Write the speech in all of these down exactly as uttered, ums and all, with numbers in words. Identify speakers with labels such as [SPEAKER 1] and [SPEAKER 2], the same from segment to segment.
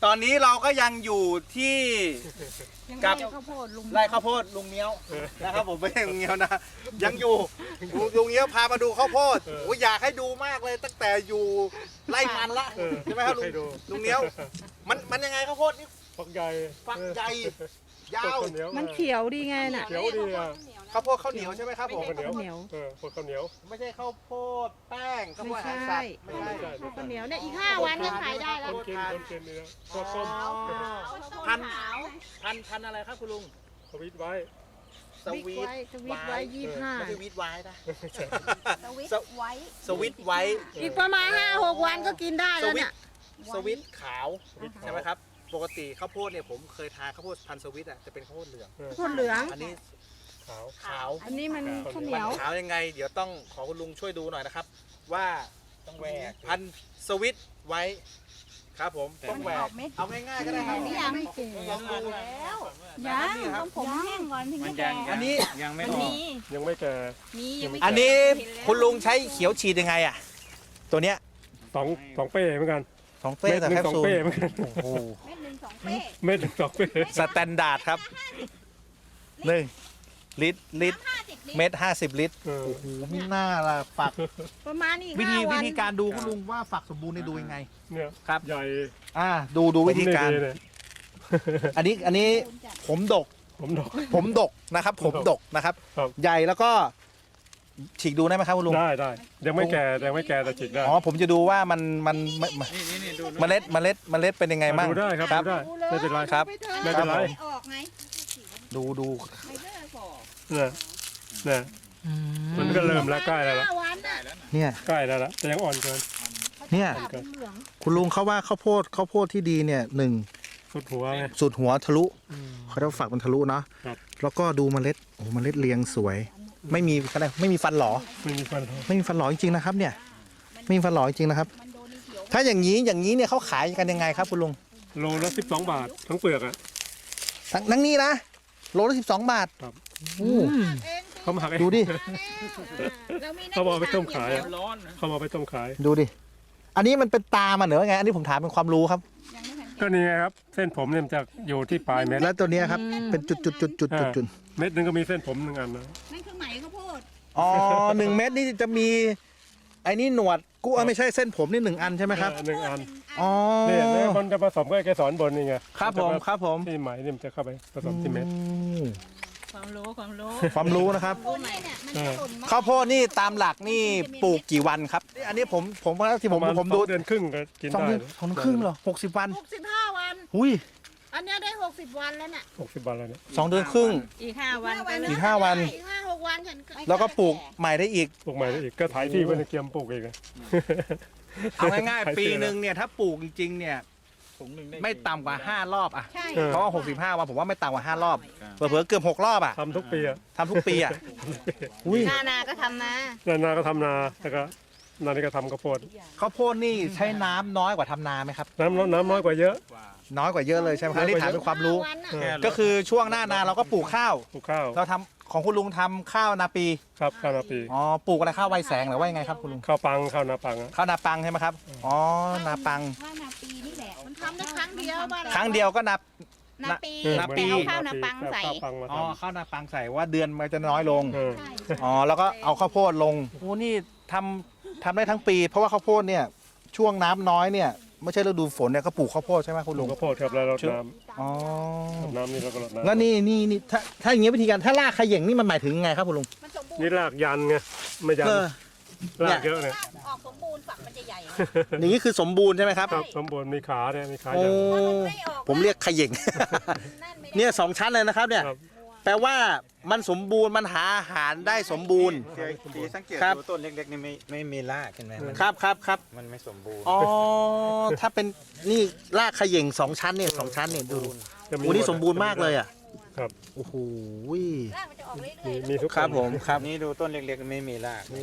[SPEAKER 1] ตอนนี้เราก็ยังอยู่ที่กับ
[SPEAKER 2] ข้าวโพดลุง
[SPEAKER 1] ไร่ข้าวโพดลุงเงี้ยวนะครับผมไม่ใช่ลุงเงี้ยวนะยังอยู่ลุงเงี้ยวพามาดูข้าวโพดโอ้ยอยากให้ดูมากเลยตั้งแต่อยู่ไร่มันละใช่ไหมครับลุงลุงเงี้ยวมันมันยังไงข้าวโพดนี่
[SPEAKER 3] ฝักใหญ่
[SPEAKER 1] ฝักใหญ่ยาว
[SPEAKER 2] มันเขียวดีไงน่ะ
[SPEAKER 3] เขียวดีอ่ะ
[SPEAKER 1] ข้าวโพดข้าวเหนียวใช่ไหมครับผม
[SPEAKER 3] ข้าวเหนียว
[SPEAKER 2] เหนียว
[SPEAKER 3] เออข้าวเหนียว
[SPEAKER 1] ไม่ใช่ข้าวโพดแป้งข้าวโพ
[SPEAKER 2] ไม่
[SPEAKER 1] ดอาหาร
[SPEAKER 2] ใช่
[SPEAKER 1] สัตว์ไม่ใช่
[SPEAKER 2] ข้าวเหนียวเนี่ยอีกห้าวันก็ขายได้
[SPEAKER 3] ค
[SPEAKER 2] แล้ว
[SPEAKER 3] นกินคนกินนี่นะชอบต้ม
[SPEAKER 1] พันพันพันอะไรครับคุณลุง
[SPEAKER 3] สวิตไว้
[SPEAKER 1] สวีท
[SPEAKER 2] ไว้สวิตไว้ยี่สิบห้า
[SPEAKER 1] ไม่ใช่วีทไว้นะ
[SPEAKER 4] สวิตไว้
[SPEAKER 1] สวิตไว้
[SPEAKER 2] อีกประมาณห้าหกวันก็กินได้
[SPEAKER 1] ส
[SPEAKER 2] แล้ว
[SPEAKER 1] วิต
[SPEAKER 2] เนี่ย
[SPEAKER 1] สวิตขาวใช่ไหมครับปกติข้าวโพดเนี่ยผมเคยทานข้าวโพดพันธุ์สวิตอ่ะจะเป็นข้าวโพดเหลือง
[SPEAKER 2] ข้าวเหลือง
[SPEAKER 1] อันนี้
[SPEAKER 3] ขาว
[SPEAKER 1] ขาว
[SPEAKER 2] อันนี้มันข้าวเห
[SPEAKER 1] มั
[SPEAKER 2] นียว
[SPEAKER 1] ขาวยังไง เดี๋ยวต้องขอคุณลุงช่วยดูหน่อยนะครับ ว่า
[SPEAKER 5] ต้องแหวก
[SPEAKER 1] พันธุ์สวิตไว้ครับผมต้องแหวกเอาง่ายๆก็ได้ครับ
[SPEAKER 4] นี่ยัง
[SPEAKER 2] ไม่เก่ง
[SPEAKER 1] ลองดู
[SPEAKER 4] แล้ว
[SPEAKER 1] ยัง
[SPEAKER 4] ต้องผมแห้งก่อนถึง
[SPEAKER 5] มัน
[SPEAKER 4] จะ
[SPEAKER 5] ยั
[SPEAKER 4] แก่
[SPEAKER 5] ง
[SPEAKER 1] อันนี้
[SPEAKER 5] ยังไม่
[SPEAKER 4] มัน
[SPEAKER 5] ออก
[SPEAKER 4] มี
[SPEAKER 3] ยังไม่แก่
[SPEAKER 4] มียังไม่
[SPEAKER 1] อันนี้คุณลุงใช้เขียวฉีดยังไงอ่ะตัวเนี้ย
[SPEAKER 3] สองสองเป้เหมือนกัน
[SPEAKER 1] สองเป้
[SPEAKER 3] เม็ด
[SPEAKER 1] แต่
[SPEAKER 3] หนึ่
[SPEAKER 1] แค
[SPEAKER 3] ง
[SPEAKER 1] ป
[SPEAKER 3] สอง
[SPEAKER 1] ซูล
[SPEAKER 3] เป้เหมือนกัน
[SPEAKER 1] โอ้โห
[SPEAKER 4] เม็ดหนึ่งสองเป้
[SPEAKER 3] เม็ดหนึ่งสองเป้
[SPEAKER 1] สแตนดาร์ดครับหนึ่งลิตรลิตร
[SPEAKER 4] ห้าสิบลิตร
[SPEAKER 1] เม็ดห้าสิบลิตร
[SPEAKER 3] เออ
[SPEAKER 1] โอ้โหมีหน้าละฝัก
[SPEAKER 2] ประมาณอีก
[SPEAKER 1] วิ
[SPEAKER 2] ห้า
[SPEAKER 1] ธี
[SPEAKER 2] วั
[SPEAKER 1] วิ
[SPEAKER 2] น
[SPEAKER 1] ธีการดูคุณลุงว่าฝักสมบูรณ์เนี่ยดูยังไง
[SPEAKER 3] เนี่ย
[SPEAKER 1] ครับ
[SPEAKER 3] ใหญ่
[SPEAKER 1] อ่าดูดูวิธีการ
[SPEAKER 3] ผมนี่ดีเลย
[SPEAKER 1] อันนี้อันนี้ผมดก
[SPEAKER 3] ผมดอก
[SPEAKER 1] ผมดกนะครับ ผมดกนะครับ
[SPEAKER 3] ครับ
[SPEAKER 1] ใหญ่แล้วก็ฉีกดูได้ไหมครับคุณลุง
[SPEAKER 3] ได้ได้ยังไม่แก่ยังไม่แก่แต่ฉีกได้
[SPEAKER 1] อ๋อผมจะดูว่ามันมันมันมัน
[SPEAKER 5] นี่นี่นี่ดู
[SPEAKER 1] เมล็ดเมล็ดเมล็ดเป็นยังไงบ้าง
[SPEAKER 3] ดูได้ครับ
[SPEAKER 1] ครับ
[SPEAKER 3] ดูได้ไม่เป็นไร
[SPEAKER 1] ครับ
[SPEAKER 3] ไม่เป็นไร
[SPEAKER 1] ครับ
[SPEAKER 4] ออกไง
[SPEAKER 1] ดูดู
[SPEAKER 4] ไม่เลิกบอก
[SPEAKER 3] เนี่ยเนี่ยมันก็เริ่มแล้วใกล้แล้วล่ะ
[SPEAKER 2] ห้าวันน่ะ
[SPEAKER 1] เนี่ย
[SPEAKER 3] ใกล้แล้วล่ะแต่ยังอ่อนเกิน
[SPEAKER 1] เนี่ย
[SPEAKER 2] เป็นเหลือง
[SPEAKER 1] คุณลุงเขาว่าข้าวโพดข้าวโพดที่ดีเนี่ยหนึ่ง
[SPEAKER 3] สุดหัวไง
[SPEAKER 1] สุดหัวทะลุ
[SPEAKER 3] อืม
[SPEAKER 1] เขาเรียกว่าฝักมันทะลุเนาะ
[SPEAKER 3] ครับ
[SPEAKER 1] แล้วก็ดูเมล็ดโอ้เมล็ดเรียงสวย ไม่มีอะไรไม่มีฟันหลอ
[SPEAKER 3] ไม่มีฟันหรอก
[SPEAKER 1] ไม่มีฟันหลอจริงๆนะครับเนี่ยไม่มีฟันหลอจริงๆนะครับ
[SPEAKER 4] มันโดนเขียว
[SPEAKER 1] ถ้าอย่างนี้อย่างนี้เนี่ยเขาขายกันยังไงครับคุณลุง
[SPEAKER 3] โลละสิบสองบาททั้งเปลือกอ่ะ
[SPEAKER 1] ทั้งทั้งนี้นะโลละสิบสองบาท
[SPEAKER 3] ครับ
[SPEAKER 1] โอ้
[SPEAKER 3] เขามาหักเอง
[SPEAKER 1] ดูดิ
[SPEAKER 4] เรามีหน้
[SPEAKER 3] เขาบอกไปต้มขาย
[SPEAKER 4] ที่
[SPEAKER 3] อะ
[SPEAKER 5] ร้อน
[SPEAKER 3] เขามาไปต้มขาย
[SPEAKER 1] ดูดิอันนี้มันเป็นตามันเหรอไงอันนี้ผมถามเป็นความรู้ครับ
[SPEAKER 4] ยังไม่ทัน
[SPEAKER 3] ก็นี่ไงครับ เส้นผมเนี่ยมันจะอยู่ที่ปลายเม็ด
[SPEAKER 1] แล้วตัวเนี้ยครับเป็นจุดจุดจุดจุดจุดจุด
[SPEAKER 3] เม็ดหนึงก็มีเส้นผมหนึ่งอันนะ
[SPEAKER 4] นั่นคือไหมข้าวโพด
[SPEAKER 1] อ๋อหนึ่งเม็ดนี่จะมีไอ้นี่หนวดกูเอ้ยไม่ใช่เส้นผมนี่หนึ่งอันใช่ไหมครับ
[SPEAKER 3] เออหนึ่งอัน
[SPEAKER 1] อ๋อ
[SPEAKER 3] เนี่ยแล้วมันจะผสมกับไอ้เกสรบนนี่ไง
[SPEAKER 1] ครับผมครับผม
[SPEAKER 3] ที่ไหมเนี่ยมันจะเข้าไปผสมที่เม็ด
[SPEAKER 1] อืม
[SPEAKER 4] ความรู้ความรู้
[SPEAKER 1] ความรู้นะครับ
[SPEAKER 4] โอ้เนี่ยเนี่ยมันจะหล่นมา
[SPEAKER 1] ข้าวโพดนี่ตามหลักนี่ปลูกกี่วันครับอันนี้ผมผมว่าที่
[SPEAKER 3] ป
[SPEAKER 1] ผม
[SPEAKER 3] ระมาณ
[SPEAKER 1] ผมดู
[SPEAKER 3] สองเดือนครึ่งก็กิน
[SPEAKER 1] สอง
[SPEAKER 3] ได้
[SPEAKER 1] เดือนสองเดือนครึ่งเหรอหกสิบวัน
[SPEAKER 2] หกสิบห้าวัน
[SPEAKER 1] หุย
[SPEAKER 2] อันเนี้ยได้หกสิบวันแล้วน่ะ
[SPEAKER 3] หกสิบบาทแล้วเนี่ย
[SPEAKER 1] สองเดือนครึ่ง
[SPEAKER 4] อีกห้าวันก็
[SPEAKER 1] อีกห้าวัน
[SPEAKER 2] อีกห้าหกวันฉันก็
[SPEAKER 1] แล้วก็ปลูกใหม่ได้อีก
[SPEAKER 3] ปลูกใหม่ได้อีกก็ถ่ายที่ไว้ในเกียมปลูกอีกอะ
[SPEAKER 1] เอาง่าย
[SPEAKER 3] ขาย
[SPEAKER 1] ๆปี
[SPEAKER 3] เสื้อ
[SPEAKER 1] หนึ่งเนี่ยถ้าปลูกจริงๆเนี่ย
[SPEAKER 5] ถุงหนึ่งได้
[SPEAKER 1] ไม่ต่ำกว่าห้ารอบอ่ะ
[SPEAKER 4] ใช่
[SPEAKER 3] เออ
[SPEAKER 1] เพราะว่าหกสิบห้าวันผมว่าไม่ต่ำกว่าห้ารอบเผลอๆเกือบหกรอบอ่ะ
[SPEAKER 3] ทำทุกปีอะ
[SPEAKER 1] ทำทุกปีอ่ะอุ้ย
[SPEAKER 4] นานาก็ทำนา
[SPEAKER 3] นานาก็ทำนาแล้วก็นานี่ก็ทำข้าวโพด
[SPEAKER 1] ข้าวโพดนี่ใช้น้ำน้อยกว่าทำนาไหมครับ
[SPEAKER 3] น้ำน้อยน้ำน้อยกว่าเยอะ
[SPEAKER 1] น้อยกว่าเยอะเลยใช่ไหมครับนี่ถามเป็นความรู้
[SPEAKER 2] ห้วันน่ะ
[SPEAKER 3] เออ
[SPEAKER 1] ก็คือช่วงหน้านาเราก็ปลูกข้าว
[SPEAKER 3] ปลูกข้าว
[SPEAKER 1] เราทำของคุณลุงทำข้าวนาปี
[SPEAKER 3] ครับข้าวนาปี
[SPEAKER 1] อ๋อปลูกอะไรข้าวไวแสงหรือว่ายังไงครับคุณลุง
[SPEAKER 3] ข้าวปังข้าวนาปังอะ
[SPEAKER 1] ข้าวนาปังใช่ไหมครับอ๋อนาปัง
[SPEAKER 4] ข้าวนาปีนี่แหละ
[SPEAKER 2] มันทำได้ครั้งเดียวบ้าน
[SPEAKER 1] ครั้งเดียวก็นับ
[SPEAKER 4] นาปี
[SPEAKER 3] เออ
[SPEAKER 1] นาปี
[SPEAKER 4] แต่เอาข้าวนาปังใส่
[SPEAKER 3] ข้าวปังมา
[SPEAKER 1] อ๋อ
[SPEAKER 3] ทำ
[SPEAKER 1] ข้าวนาปังใส่ว่าเดือนมันจะน้อยลง
[SPEAKER 3] เออ
[SPEAKER 4] ใช่
[SPEAKER 1] อ๋อแล้วก็เอาข้าวโพดลงโอ้นี่ทำทำได้ทั้งปี เพราะว่าข้าวโพดเนี่ยช่วงน้ำน้อยเนี่ยไม่ใช่ฤดูฝนเนี่ยก็ปลูกข้าวโพดใช่ไหมคุณ
[SPEAKER 3] ปลู
[SPEAKER 1] ลุ
[SPEAKER 3] ก
[SPEAKER 1] ง
[SPEAKER 3] ข้าวโพดครับแล้วรดน้
[SPEAKER 1] อ๋อ
[SPEAKER 3] ำรดน้ำนี่แล้วก็รดน้ำ
[SPEAKER 1] แล้วนี่นี่นี่ถ้าถ้าอย่างเงี้ยวิธีการถ้ารากขย่งนี่มันหมายถึงไงครับคุณลุง
[SPEAKER 4] มันสมบูร
[SPEAKER 3] นี่
[SPEAKER 4] ณ์
[SPEAKER 3] รากยันไงไม่ยัน
[SPEAKER 1] เออ
[SPEAKER 3] รากเยอะเนี่ย
[SPEAKER 4] ออกสมบูรณ์ฝักมันจะใหญ่
[SPEAKER 1] อย่างนี้คือสมบูรณ์ใช่ไหมครับ
[SPEAKER 3] ครับสมบูรณ์มีขาเนี่ยมีขา
[SPEAKER 1] โอ้
[SPEAKER 3] ยัน
[SPEAKER 4] ไม่ออก
[SPEAKER 1] ผมเรียกขย่ง
[SPEAKER 4] นั่นไม่ได้
[SPEAKER 1] เนี่ยสองชั้นเลยนะครับเนี่ย
[SPEAKER 3] ครับ
[SPEAKER 1] แปลว่ามันสมบูรณ์มันหาอาหารได้สมบูรณ์
[SPEAKER 5] สีสังเกต
[SPEAKER 1] ครับ
[SPEAKER 5] ดูต้นเล็กๆนี่ไม่ไม่มีรากเห็นไหมมัน
[SPEAKER 1] ครับครับครับ
[SPEAKER 5] มันไม่สมบูรณ์
[SPEAKER 1] อ๋อถ้าเป็นนี่รากขย่งสองชั้นเนี่ยสองชั้นเนี่ยดู
[SPEAKER 3] จะ
[SPEAKER 1] โอ้นี่สมบูรณ์มากเลยอ่ะ
[SPEAKER 3] ครับ
[SPEAKER 1] โอ้โห
[SPEAKER 4] รากมันจะออกเรื่
[SPEAKER 3] มี
[SPEAKER 4] อย
[SPEAKER 3] มีทุก
[SPEAKER 1] ครับผมครับ
[SPEAKER 5] นี่ดูต้นเล็กๆไม่มีราก
[SPEAKER 1] โอ้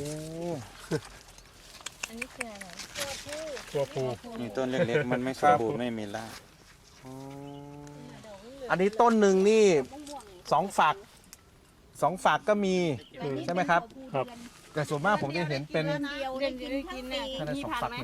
[SPEAKER 4] ๆอันนี้คืออะไร
[SPEAKER 3] ตัวผู
[SPEAKER 5] นี่ต้นเล็กๆมันไม่สมบูรณ์ไม่มีราก
[SPEAKER 1] อันนี้ต้นหนึ่งนี่สองฝักสองฝักก็มีใช่ไหมครับ
[SPEAKER 3] ครับ
[SPEAKER 1] แต่ส่วนมากผมจะเห็นเป็น
[SPEAKER 4] เดียวได้กินทั้งปี
[SPEAKER 1] แค่นั้นสองฝักหนึ่งฝัก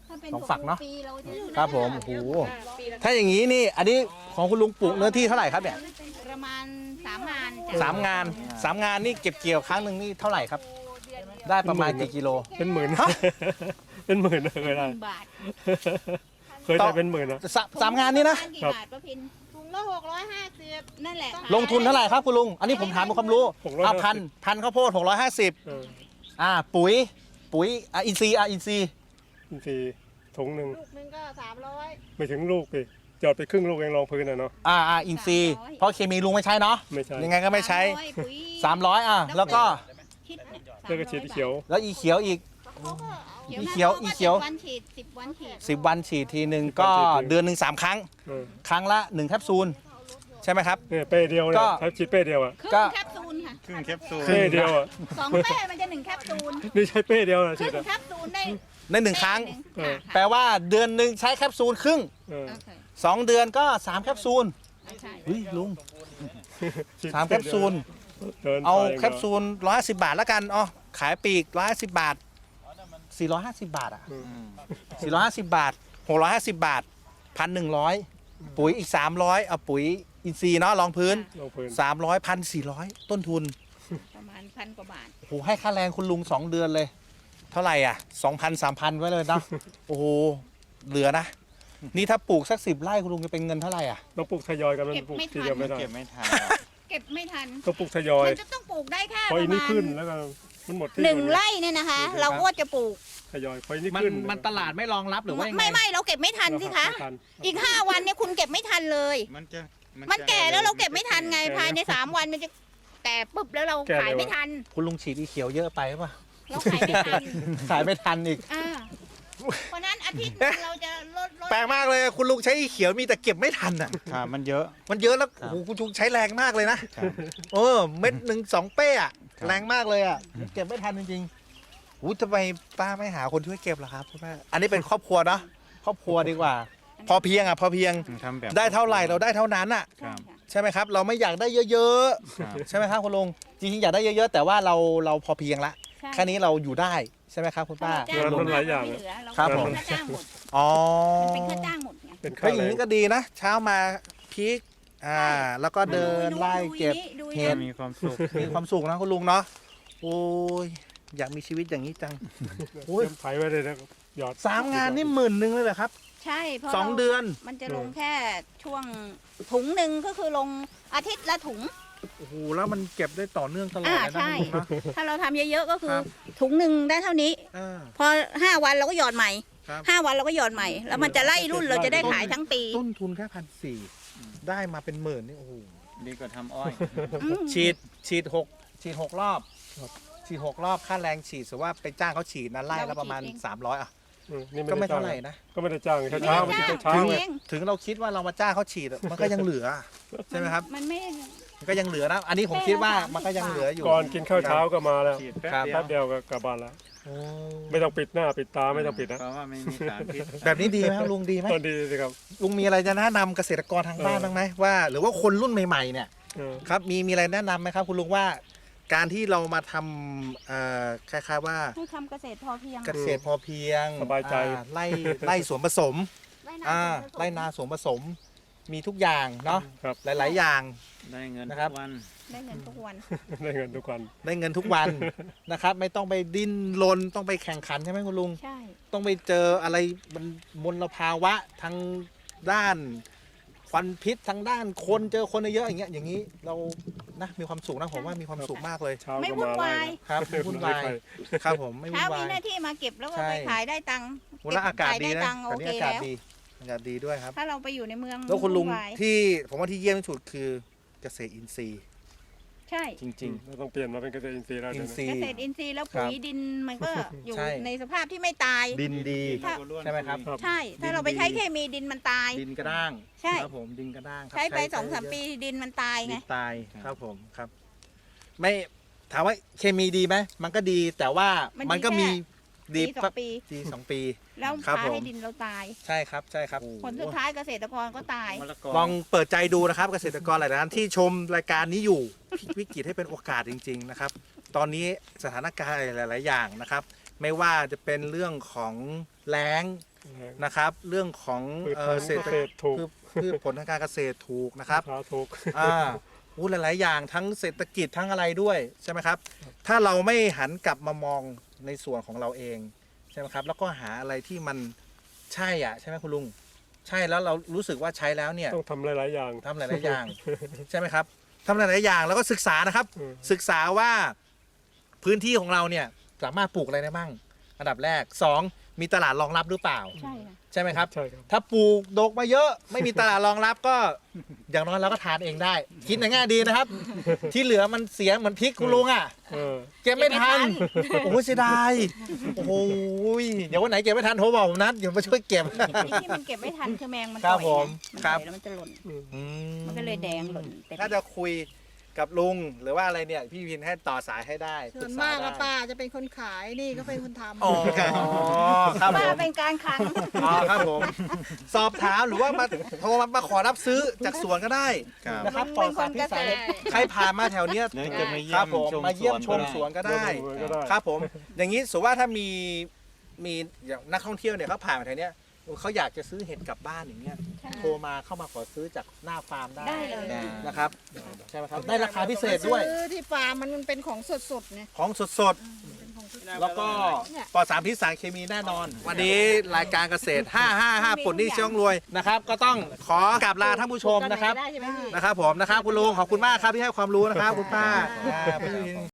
[SPEAKER 4] ถ้าเป็น
[SPEAKER 1] สองฝักเนอะ
[SPEAKER 4] ปีเราจะ
[SPEAKER 1] ครับผมโอ้โหถ้าอย่างนี้นี่อันนี้ของคุณลุงปลูกเนื้อที่เท่าไหร่ครับเนี่ย
[SPEAKER 4] ประมาณสามงาน
[SPEAKER 1] สามงานสามงานนี่เก็บเกี่ยวครั้งหนึ่งนี่เท่าไหร่ครับ ได้ประมาณกี่กิโล
[SPEAKER 3] เป็นหมื่น
[SPEAKER 1] ฮะ
[SPEAKER 3] เป็นหมื่นเคยได้
[SPEAKER 4] บาท
[SPEAKER 3] เคยได้เป็นหมื่นนะ
[SPEAKER 1] สาสามงานนี่นะ
[SPEAKER 4] กี่บาทป้าพิน
[SPEAKER 2] ถุงละหกร้อยห้าสิบ
[SPEAKER 4] นั่นแหละ
[SPEAKER 1] ลงทุนเท่าไหร่ครับคุณลุงอันนี้ผมถามเป็นความรู้
[SPEAKER 3] หกร้อย
[SPEAKER 1] อ่ะพันพันข้าวโพดหกร้อยห้าสิบ
[SPEAKER 3] เออ
[SPEAKER 1] อ่าปุ๋ยปุ๋ยอ่ะอินทรีย์อ่ะอินทรีย์
[SPEAKER 3] อินทรีย์ถุงหนึ่ง
[SPEAKER 2] ลูกหนึงก็สามร้อย
[SPEAKER 3] ไม่ถึงลูกดิจอดไปครึ่งลูกเองรองพื้นอ่ะเนาะ
[SPEAKER 1] อ่าอ่าอินทรีย์เพราะเคมีลุงไม่ใช้เนาะ
[SPEAKER 3] ไม่ใช่
[SPEAKER 1] ยังไงก็ไม่ใช้
[SPEAKER 4] สามร้อยปุ๋ย
[SPEAKER 1] สามร้อยอ่ะแล้วก็
[SPEAKER 4] คิดเนี่ย
[SPEAKER 3] แล้วก็ฉีดเขียว
[SPEAKER 1] แล้วอีเขียวอีก
[SPEAKER 2] เขาก็เอา
[SPEAKER 1] อีเขียวอีเขียว
[SPEAKER 4] สิบวันฉีดสิบวันฉีด
[SPEAKER 1] สิบวันฉีดทีหนึ่งก็เดือนหนึ่งสามครั้ง
[SPEAKER 3] เออ
[SPEAKER 1] ครั้งละหนึ่งแคปซูลใช่ไหมครับ
[SPEAKER 3] เนี่ยเป้เดียวเนี่
[SPEAKER 1] ก็
[SPEAKER 3] ยถ้าฉีดเป้เดียวอ่ะ
[SPEAKER 4] ครึ่ง
[SPEAKER 1] ก็
[SPEAKER 4] แคปซูลค่ะ
[SPEAKER 5] ครึ่งแคปซูล
[SPEAKER 3] เป้เดียวอ่ะ
[SPEAKER 4] สองเป้มันจะหนึ่งแคปซูล
[SPEAKER 3] นี่ใช้เป้เดียวนะ
[SPEAKER 4] ค
[SPEAKER 3] ฉี
[SPEAKER 4] รึ่
[SPEAKER 3] ด
[SPEAKER 4] ง
[SPEAKER 3] อ่ะ
[SPEAKER 4] แคปซูลได้
[SPEAKER 1] ในหนึ่งครั้ง
[SPEAKER 3] เออ
[SPEAKER 1] แปลว่าเดือนหนึ่งใช้แคปซูลครึ่ง
[SPEAKER 3] เออ
[SPEAKER 4] โอเค
[SPEAKER 1] สองเดือนก็สามแคปซูล
[SPEAKER 4] ใช่
[SPEAKER 1] เฮ้ยลุง
[SPEAKER 3] ฉีด
[SPEAKER 1] สามแคปซูล
[SPEAKER 3] เดิน
[SPEAKER 1] เอา
[SPEAKER 3] ไป
[SPEAKER 1] แคปซูลร้อยห้าสิบบาทแล้วกันอ๋อขายปลีกร้อยห้าสิบบาทสี่ร้อยห้าสิบบาทอ่ะ
[SPEAKER 3] อืม
[SPEAKER 1] สี่ร้อยห้าสิบบาทหกร้อยห้าสิบบาทพันหนึ่งร้อยปุ๋ยอีกสามร้อยเอาปุ๋ยอินทรีย์เนาะรองพื้น
[SPEAKER 3] ลงพื้น
[SPEAKER 1] สามร้อยพันสี่ร้อยต้นทุน
[SPEAKER 4] ประมาณพันกว่าบาท
[SPEAKER 1] โอ้โหให้ค่าแรงคุณลุงสองเดือนเลย เท่าไหร่อ่ะสองพันสามพันไว้เลยเนาะ โอ้โหเหลือนะ นี่ถ้าปลูกสักสิบไร่คุณลุงจะเป็นเงินเท่าไหร่อ่ะ
[SPEAKER 3] ต้องปลูกทยอยกันมันปลูกทีเดียวไม่ได้
[SPEAKER 5] เก็บไม่ทัน
[SPEAKER 4] เก็บไม่ทัน
[SPEAKER 3] ต้องปลูกทยอย
[SPEAKER 4] มันจะต้องปลูกได้แค่
[SPEAKER 3] พอ
[SPEAKER 4] ป
[SPEAKER 3] อี
[SPEAKER 4] ระ
[SPEAKER 3] นี่
[SPEAKER 4] มาณ
[SPEAKER 3] ขึ้นแล้วก็มันหมดที่
[SPEAKER 4] หนึ่ง
[SPEAKER 3] อยู่
[SPEAKER 4] ไร่เนี่ยนะคะ เราก็จะปลูก
[SPEAKER 3] ทยอยพออีนี่
[SPEAKER 1] มัน
[SPEAKER 3] ขึ้น
[SPEAKER 1] มันตลาดไม่รองรับหรือว่ายังไง
[SPEAKER 4] ไม่ไม่เราเก็บไม่ทันสิคะ
[SPEAKER 3] ไม่ทัน
[SPEAKER 4] อีกห้าวันเนี่ยคุณเก็บไม่ทันเลย
[SPEAKER 5] มันจะ
[SPEAKER 4] มันแก่แล้วเราเก็บไม่ทันไงภายในสามวันมันจะแก่ปุ๊บแล้วเราขายไม่ทัน
[SPEAKER 1] คุณลุงฉีดอีเขียวเยอะไปป่ะ
[SPEAKER 4] เราขายไม่ทัน
[SPEAKER 1] ขายไม่ทันอีก
[SPEAKER 4] อ่าเพราะนั้นอาทิตย์หนึงเราจะลดลด
[SPEAKER 1] แปลกมากเลยคุณลุงใช้อีเขียวมีแต่เก็บไม่ทันอ่ะ
[SPEAKER 5] ครับมันเยอะ
[SPEAKER 1] มันเยอะแล้ว
[SPEAKER 5] ครับ
[SPEAKER 1] โอ้โหคุณลุงใช้แรงมากเลยนะ
[SPEAKER 5] ครับ
[SPEAKER 1] เออเม็ดหนึ่งสองเป้อะ
[SPEAKER 5] ครับ
[SPEAKER 1] แรงมากเลยอ่ะเก็บไม่ทันจริงๆอู้ทำไมป้าไม่หาคนช่วยเก็บล่ะครับคุณแม่อันนี้เป็นครอบครัวเนาะครอบครัวดีกว่า พอเพียงอ่ะพอเพียง
[SPEAKER 5] ทำแบบ
[SPEAKER 1] ได้เท่าไหร่เราได้เท่านั้นอ่ะ
[SPEAKER 5] ครับ
[SPEAKER 1] ใช่ไหมครับ เราไม่อยากได้เยอะ
[SPEAKER 5] ครับ
[SPEAKER 1] ๆใช่ไหมครับคุณลุงจริงๆอยากได้เยอะๆแต่ว่าเราเราพอเพียงละ
[SPEAKER 4] ใช่
[SPEAKER 1] แค่นี้เราอยู่ได้ใช่ไหมครับคุณป้า
[SPEAKER 4] ถ้เรจ้าง
[SPEAKER 3] มันหลายอย่าง
[SPEAKER 4] ไม่เหลือเรา
[SPEAKER 1] ครับ
[SPEAKER 4] เป็น
[SPEAKER 1] ผม
[SPEAKER 4] ค่าจ้างหมด
[SPEAKER 1] อ๋อ
[SPEAKER 4] มันเป็นค่าจ้างหมดไง
[SPEAKER 3] เป็นค่า
[SPEAKER 1] เฮ้ยอ
[SPEAKER 3] แร
[SPEAKER 1] ย่าง
[SPEAKER 3] ง
[SPEAKER 1] นี้ก็ดีนะ เช้ามาพริกอ่า แล้วก็เดินไล่เก็บ
[SPEAKER 4] ดู
[SPEAKER 1] เห็
[SPEAKER 4] นี่
[SPEAKER 1] ด
[SPEAKER 4] ดูนี่
[SPEAKER 5] มีความสุข
[SPEAKER 1] มีความสุขนะคุณลุงเนาะโอ้ยอยากมีชีวิตอย่างนี้จัง โอ้ย
[SPEAKER 3] เตรียมไถไว้เลยนะหยอด
[SPEAKER 1] สามงานนี่หมื่นหนึ่งเลยเหรอครับ
[SPEAKER 4] ใช่เพราะ
[SPEAKER 1] สอง
[SPEAKER 4] รา
[SPEAKER 1] เดือน
[SPEAKER 4] มันจะลงแค่ช่วงถุงหนึ่งก็คือลงอาทิตย์ละถุง
[SPEAKER 1] โอ้โหแล้วมันเก็บได้ต่อเนื่องตลอด
[SPEAKER 4] อ่า
[SPEAKER 1] เลยนะ
[SPEAKER 4] ใช่
[SPEAKER 1] คุณลุงเนาะ
[SPEAKER 4] ถ้าเราทำเยอะๆก็คือ
[SPEAKER 1] ครับ
[SPEAKER 4] ถุงหนึ่งได้เท่านี้
[SPEAKER 1] เออ
[SPEAKER 4] พอห้าวันเราก็หยอดใหม่
[SPEAKER 1] ครับ
[SPEAKER 4] ห้าวันเราก็หยอดใหม่ แล้วมันจะไล่รุ่นเราจะได้ขายทั้งปี
[SPEAKER 1] ต้นทุนแค่พันสี่ได้มาเป็นหมื่นนี่โอ้โห
[SPEAKER 5] ดีกว่าทำอ้อย
[SPEAKER 4] อืม
[SPEAKER 1] ฉีดฉีดหกฉีดหกรอบฉีดหกรอบค่าแรงฉีดสมมุติว่าไปจ้างเขาฉีดนะไล่ละประมาณสามร้อยอ่ะ
[SPEAKER 3] อืมนี่
[SPEAKER 1] ก็ไม่
[SPEAKER 3] ด้จ้
[SPEAKER 1] เท่าง ไหร่นะ
[SPEAKER 3] ก็ไม่ได้จ้างเช้าเช้ามันจะเช้า
[SPEAKER 1] ถึง
[SPEAKER 3] ไง
[SPEAKER 4] เอง
[SPEAKER 1] ถึงเราคิดว่าเรามาจ้างเขาฉีดอะมันก็ยังเหลือใช่ไหมครับ
[SPEAKER 4] มันไม่
[SPEAKER 1] มันก็ยังเหลือนะ อันนี้ผมคิดว่ามันก็ยังเหลืออยู่
[SPEAKER 3] ก่อนกินข้าวเช้าก็มาแล้ว
[SPEAKER 5] ฉีดแป๊บ
[SPEAKER 1] ครับ
[SPEAKER 5] เดียว
[SPEAKER 3] แป๊บเดียวก็กลับบ้านแล้ว
[SPEAKER 1] โอ้
[SPEAKER 3] ไม่ต้องปิดหน้าปิดตาไม่ต้องปิดนะ
[SPEAKER 5] เพราะว่าไม่มีสารพิษ
[SPEAKER 1] แบบนี้ดีไหมครับลุงดีไหม
[SPEAKER 3] ตอนดีสิครับ
[SPEAKER 1] ลุงมีอะไรจะแนะนำเกษตรกรทางบ้าน
[SPEAKER 3] เออ
[SPEAKER 1] บ้างไหมว่า หรือว่าคนรุ่นใหม่ๆเนี่ย
[SPEAKER 3] เออ
[SPEAKER 1] ครับมีมีอะไรแนะนำไหมครับ คุณลุงว่า การที่เรามาทำเอ่อคล้ายๆว่า
[SPEAKER 4] ให้ทำเกษตรพอเพียง
[SPEAKER 1] เกษตรพอเพียง
[SPEAKER 3] สบายใจ
[SPEAKER 1] อ่ไล่ไล่สวนผสม
[SPEAKER 4] ไร่
[SPEAKER 1] อ่า
[SPEAKER 4] นา
[SPEAKER 1] ไล่นาสวนผสม มีทุกอย่างเนาะ
[SPEAKER 3] ครับ
[SPEAKER 1] หลาย ๆ อย่าง
[SPEAKER 5] ได้เงิน
[SPEAKER 1] นะ
[SPEAKER 5] ทุ
[SPEAKER 1] ครับ
[SPEAKER 5] กวัน
[SPEAKER 4] ได้เงินทุกวัน
[SPEAKER 3] ได้เงินทุกวัน
[SPEAKER 1] ได้เงินทุกวัน นะครับ ไม่ต้องไปดิ้นรนต้องไปแข่งขันใช่ไหมคุณลุง
[SPEAKER 4] ใช่
[SPEAKER 1] ต้องไปเจออะไรมันมลภาวะทางด้านควันพิษทางด้านคนเจอคนเยอะๆอย่างเงี้ยอย่างนี้เรานะมีความสุขนะผมว่ามีความสุขมากเลย
[SPEAKER 3] เช้า
[SPEAKER 4] ไม่
[SPEAKER 3] ก็
[SPEAKER 4] วุ่
[SPEAKER 3] มาน
[SPEAKER 4] วาย
[SPEAKER 1] ครับไม่วุ่นวายครับผมไม่วุ่
[SPEAKER 4] เช้าน
[SPEAKER 1] วา
[SPEAKER 4] มี
[SPEAKER 1] ย
[SPEAKER 4] หน้าที่มาเก็บแล้วก็
[SPEAKER 1] ใช่
[SPEAKER 4] ไปขายได้ตังค์
[SPEAKER 1] วันละอากาศดีนะ
[SPEAKER 4] ขายได้ตังค์
[SPEAKER 1] ตอนนี้
[SPEAKER 4] โอ
[SPEAKER 1] อา
[SPEAKER 4] เค
[SPEAKER 1] กาศ
[SPEAKER 4] แล้ว
[SPEAKER 1] ดีอากาศดีด้วยครับ
[SPEAKER 4] ถ้าเราไปอยู่ในเมือง
[SPEAKER 1] แล้วคุณลุง
[SPEAKER 4] วุ่นวาย
[SPEAKER 1] ที่ผมว่าที่เยี่ยมที่สุดคือเกษตรอินทรีย์
[SPEAKER 4] ใช่
[SPEAKER 1] จริง
[SPEAKER 3] เราต้องเปลี่ยนมาเป็นเกษตรอินทรีย์แล้ว
[SPEAKER 1] ๆ อิ
[SPEAKER 3] เดี๋ย
[SPEAKER 1] น
[SPEAKER 3] ว
[SPEAKER 1] ทรี
[SPEAKER 3] นี้
[SPEAKER 4] เก
[SPEAKER 1] ย์
[SPEAKER 4] ษตรอินทรีย์แล้ว
[SPEAKER 1] ครับ
[SPEAKER 4] ปุ๋ยดินมันก็อยู่
[SPEAKER 1] ใช่
[SPEAKER 4] ในสภาพที่ไม่ตาย
[SPEAKER 1] ดินดี
[SPEAKER 4] ถ้า
[SPEAKER 1] ใช่ไหมครับ
[SPEAKER 3] ครับ
[SPEAKER 4] ใช่ ถ้าเราไปใช้เคมีดินมันตาย
[SPEAKER 1] ดินกระด้าง
[SPEAKER 4] ใช่
[SPEAKER 1] ครับผมดินกระด้างครับ
[SPEAKER 4] ใช้ไปสองสาม
[SPEAKER 1] เยอะ
[SPEAKER 4] ปีดินมันตาย
[SPEAKER 1] ดิ
[SPEAKER 4] ไง
[SPEAKER 1] นตายครับผมครับ ไม่ถามว่าเคมีดีไหมมันก็ดีแต่ว่ามันก็มีดี
[SPEAKER 4] ปีสองปี
[SPEAKER 1] ดีสองปี
[SPEAKER 4] แล้ว
[SPEAKER 1] ครับ
[SPEAKER 4] พา
[SPEAKER 1] ผม
[SPEAKER 4] ให้ดินเราตาย
[SPEAKER 1] ใช่ครับใช่ครับ
[SPEAKER 4] ผลสุดท้ายเกษตรกรก็ตาย
[SPEAKER 5] มะละกอ
[SPEAKER 1] ลองเปิดใจดูนะครับ เกษตรกรหลายท่านที่ชมรายการนี้อยู่พลิกวิกฤตให้เป็นโอกาสจริง ๆนะครับ ตอนนี้สถานการณ์หลาย ๆ อย่างนะครับ ไม่ว่าจะเป็นเรื่องของแล้งนะครับ เรื่องของ
[SPEAKER 3] พืช
[SPEAKER 1] เอ่อ
[SPEAKER 3] ผล
[SPEAKER 1] เศรษฐ
[SPEAKER 3] เกษตรถูก
[SPEAKER 1] พืชพืชผลทางการเกษตรถูกนะครับ
[SPEAKER 3] ราคาถูก
[SPEAKER 1] อ่าอู้หลาย ๆ อย่างทั้งเศรษฐกิจทั้งอะไรด้วยใช่ไหมครับ ถ้าเราไม่หันกลับมามองในส่วนของเราเองใช่ไหมครับ แล้วก็หาอะไรที่มันใช่อ่ะใช่ไหมคุณลุง ใช่แล้วเรารู้สึกว่าใช้แล้วเนี่ย
[SPEAKER 3] ต้องทำหลาย ๆ อย่าง
[SPEAKER 1] ทำหลาย ๆ อย่าง ใช่ไหมครับทำหลาย ๆ อย่างแล้วก็ศึกษานะครับ
[SPEAKER 3] อืม
[SPEAKER 1] ศึกษาว่าพื้นที่ของเราเนี่ยสามารถปลูกอะไรได้บ้างอันดับแรกสองมีตลาดรองรับหรือเปล่า
[SPEAKER 4] ใช่ค่ะ
[SPEAKER 1] ใช่ไหมครับ
[SPEAKER 3] ใช่ครับ
[SPEAKER 1] ถ้าปลูกดกมาเยอะไม่มีตลาดรองรับก็ อย่างน้อยเราก็ทานเองได้ คิดในแง่ดีนะครับ ที่เหลือมันเสียเหมือนพริกคุณลุงอ่ะ
[SPEAKER 3] เออ
[SPEAKER 1] เก็บไม่ทันโอ้โหเสียดายโอ้โหเดี๋ยววันไหนเก็บไม่ทันโทรบอกผมนะเดี๋ยวมาช่วยเก็บ
[SPEAKER 4] ไอ้ที่มันเก็บไม่ทันคือแมงมัน
[SPEAKER 1] ครับ
[SPEAKER 4] ต่อย
[SPEAKER 1] ผม
[SPEAKER 4] ไงมัน
[SPEAKER 1] ครั
[SPEAKER 4] ต่
[SPEAKER 1] บ
[SPEAKER 4] อยแล้วมันจะหล่น
[SPEAKER 1] อื
[SPEAKER 4] มันก็เลยแดงหล่นเต็ม
[SPEAKER 1] ถ้าจะคุยกับลุงหรือว่าอะไรเนี่ยพี่วินให้ต่อสายให้ได้
[SPEAKER 2] ส่วนมาก
[SPEAKER 1] ปรึ
[SPEAKER 2] ก็
[SPEAKER 1] ษได้
[SPEAKER 2] ป้าจะเป็นคนขายนี่ก็เป็นคนทำ
[SPEAKER 1] อ๋อครับผ
[SPEAKER 4] ป้าม เป็นการคลัง
[SPEAKER 1] อ๋อครับผม สอบถามหรือว่ามาโทรมามาขอรับซื้อจากสวนก็ได้
[SPEAKER 5] ครับ
[SPEAKER 1] นะครับ
[SPEAKER 4] เป็นคน
[SPEAKER 1] ปลอดสารพิษ
[SPEAKER 4] เกษตร
[SPEAKER 1] ใครผ่านมาแถวเนี้ย
[SPEAKER 5] เดี๋ยวจะมาเยี่
[SPEAKER 1] ค
[SPEAKER 5] ย
[SPEAKER 1] รับ
[SPEAKER 5] ม
[SPEAKER 1] ผม
[SPEAKER 5] ชม
[SPEAKER 1] มาเยี่ยมช
[SPEAKER 5] สว
[SPEAKER 1] ม
[SPEAKER 5] น
[SPEAKER 1] สวนก็ได้
[SPEAKER 3] ก็ได้
[SPEAKER 1] ครับผม อย่างนี้สมมติว่าถ้ามีมีอย่างนักท่องเที่ยวเนี่ยเขาผ่านมาแถวเนี้ยเขาอยากจะซื้อเห็ดกลับบ้านอย่างเงี้ย
[SPEAKER 4] ใช่
[SPEAKER 1] โทรมาเข้ามาขอซื้อจากหน้าฟาร์มได้
[SPEAKER 4] ได้เลย
[SPEAKER 5] ได้
[SPEAKER 1] นะครับใช่ไหมครับได้ราคาพิเศษด้วย
[SPEAKER 2] ซื้อที่ฟาร์มมันเป็นของสดๆไง
[SPEAKER 1] ของสดๆ แล้วก็ปลอดสารพิษสารเคมีแน่นอน วันนี้รายการเกษตร ห้า ห้า ห้า ปลดหนี้ช่องรวยนะครับ ก็ต้องขอกราบลาท่านผู้ชมนะครับ
[SPEAKER 4] ได้ใช่ไหมพี่
[SPEAKER 1] นะครับผมนะครับคุณลุงขอบคุณมากครับที่ให้ความรู้นะครับคุณป้าอ่าพี่